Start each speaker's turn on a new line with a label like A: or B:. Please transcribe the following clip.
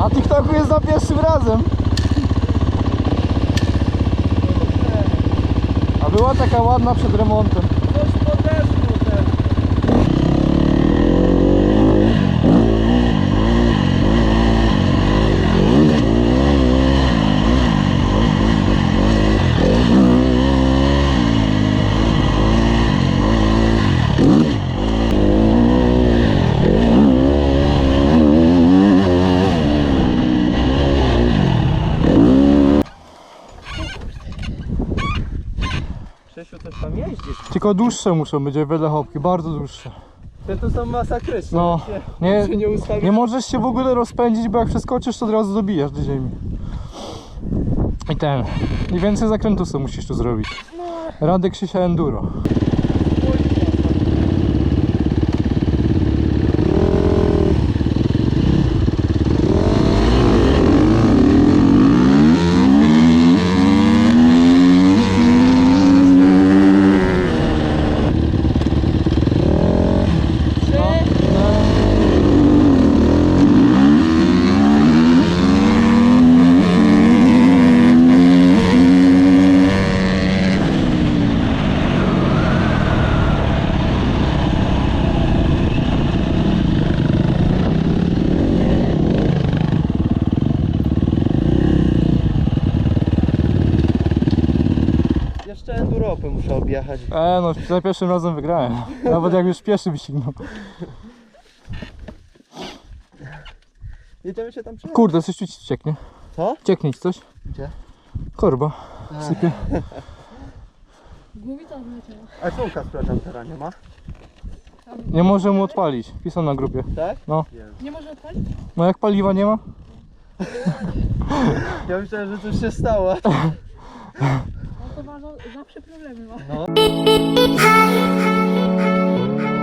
A: Na TikToku jest za pierwszym razem. A była taka ładna przed remontem.
B: Coś podeszło też. Krzysiu, coś tam jeździsz?
A: Tylko dłuższe muszą być, wiele chopki, bardzo dłuższe.
B: Te tu są masakryczne.
A: No,
B: Jak się
A: nie
B: ustawi.
A: możesz się w ogóle rozpędzić, bo jak przeskoczysz, to od razu dobijasz do ziemi. I więcej zakrętów sobie musisz tu zrobić. Radek Krzysia Enduro.
B: Jeszcze Enduropy muszę objechać.
A: No, za pierwszym razem wygrałem. Nawet jak już pierwszy wyścignął.
B: Jedziemy się tam przyjechać.
A: Kurde, coś tu ci cieknie.
B: Co?
A: Cieknie ci coś?
B: Gdzie?
A: Korba. Sypie.
C: Głowica wleciała.
B: A czemu Kaspra Jumpera nie ma?
A: Nie może mu odpalić. Pisał na grupie.
B: Tak?
A: No.
C: Nie może odpalić?
A: No jak paliwa nie ma?
B: Ja myślałem, że coś się stało.
C: No to ma zawsze problemy ma.
B: No.